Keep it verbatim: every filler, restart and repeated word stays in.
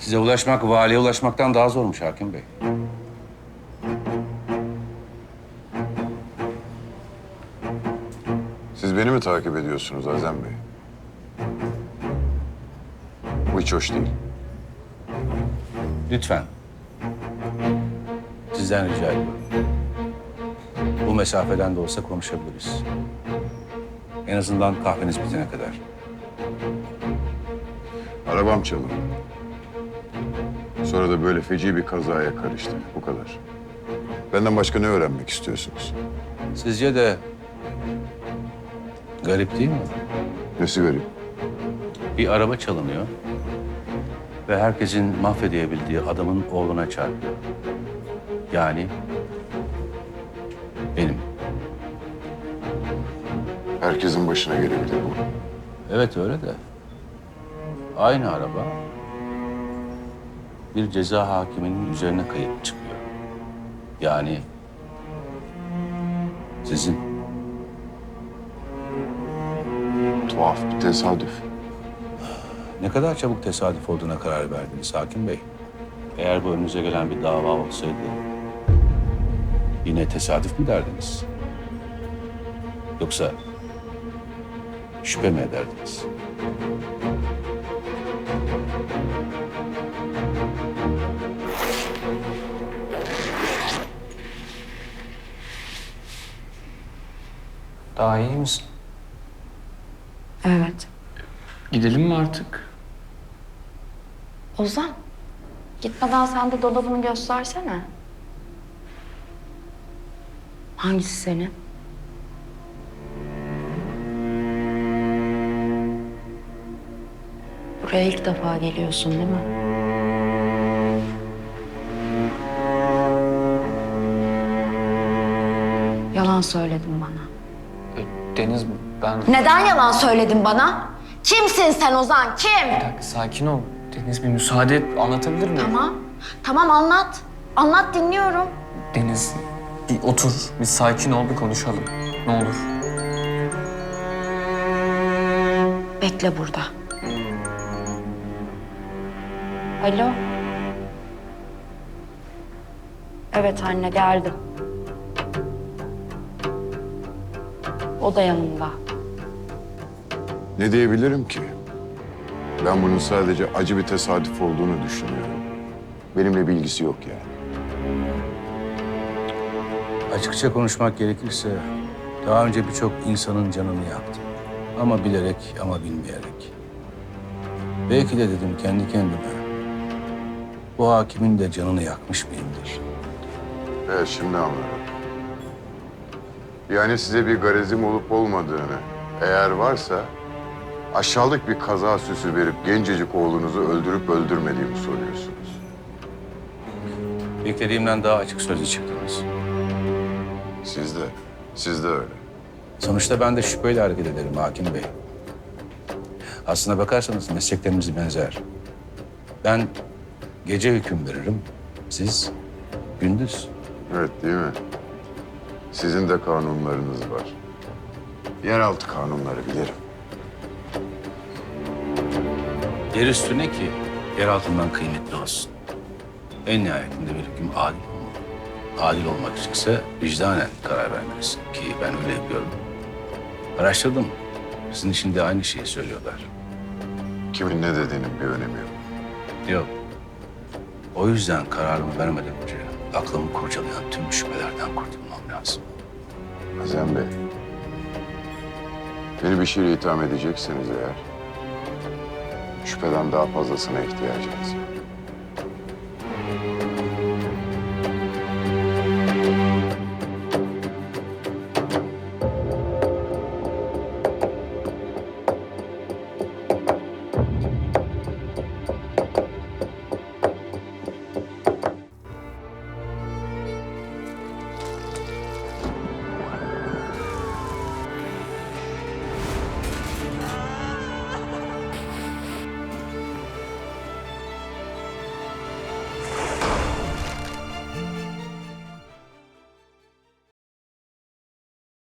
Size ulaşmak valiye ulaşmaktan daha zormuş hakim bey. Siz beni mi takip ediyorsunuz Azem Bey? Bu hiç hoş değil. Lütfen. Sizden rica ediyorum. Bu mesafeden de olsa konuşabiliriz. En azından kahveniz bitene kadar. Arabam çalındı. Sonra da böyle feci bir kazaya karıştı. Bu kadar. Benden başka ne öğrenmek istiyorsunuz? Sizce de garip değil mi? Nesi garip? Bir araba çalınıyor ve herkesin mahvedebildiği adamın oğluna çarpıyor. Yani benim. Herkesin başına gelebilir bu. Evet öyle de aynı araba bir ceza hakiminin üzerine kayıp çıkıyor. Yani sizin. Tuhaf bir tesadüf. Ne kadar çabuk tesadüf olduğuna karar verdiniz hakim bey. Eğer bu önünüze gelen bir dava olsaydı yine tesadüf mü derdiniz? Yoksa şüphe mi ederdiniz? Daha iyi misin? Evet. Gidelim mi artık? Ozan, gitmeden sen de dolabını göstersene. Hangisi senin? Buraya ilk defa geliyorsun değil mi? Yalan söyledin bana. E, Deniz, ben... Neden yalan söyledin bana? Kimsin sen Ozan, kim? Bir dakika, sakin ol. Deniz, bir müsaade et, anlatabilir miyim? Tamam, tamam anlat. Anlat, dinliyorum. Deniz, bir otur, bir sakin ol, bir konuşalım. Ne olur. Bekle burada. Alo. Evet anne, geldim. O da yanımda. Ne diyebilirim ki? Ben bunun sadece acı bir tesadüf olduğunu düşünüyorum. Benimle bir ilgisi yok yani. Açıkça konuşmak gerekirse daha önce birçok insanın canını yaktım. Ama bilerek ama bilmeyerek. Belki de dedim kendi kendime. Bu hakimin de canını yakmış mıyımdır? Evet, şimdi anladım. Yani size bir garezim olup olmadığını, eğer varsa aşağılık bir kaza süsü verip gencecik oğlunuzu öldürüp öldürmediğimi soruyorsunuz. Beklediğimden daha açık sözlü çıktınız. Siz de, siz de öyle. Sonuçta ben de şüpheyle hareket ederim hakim bey. Aslına bakarsanız mesleklerimiz benzer. Ben gece hüküm veririm, siz gündüz. Evet, değil mi? Sizin de kanunlarınız var. Yeraltı kanunları bilirim. Yer üstüne ki yer altından kıymetli olsun. En nihayetinde bir hüküm adil olmalı. Adil olmak içinse vicdanen karar vermelisin ki ben öyle yapıyorum. Araştırdım. Sizin için de aynı şeyi söylüyorlar. Kimin ne dediğinin bir önemi yok. Yok. O yüzden kararımı vermeden önce aklımı kurcalayan tüm şüphelerden kurtulmam lazım. Azem Bey, beni bir şeyle itham edecekseniz eğer, şüpheden daha fazlasına ihtiyacınız var.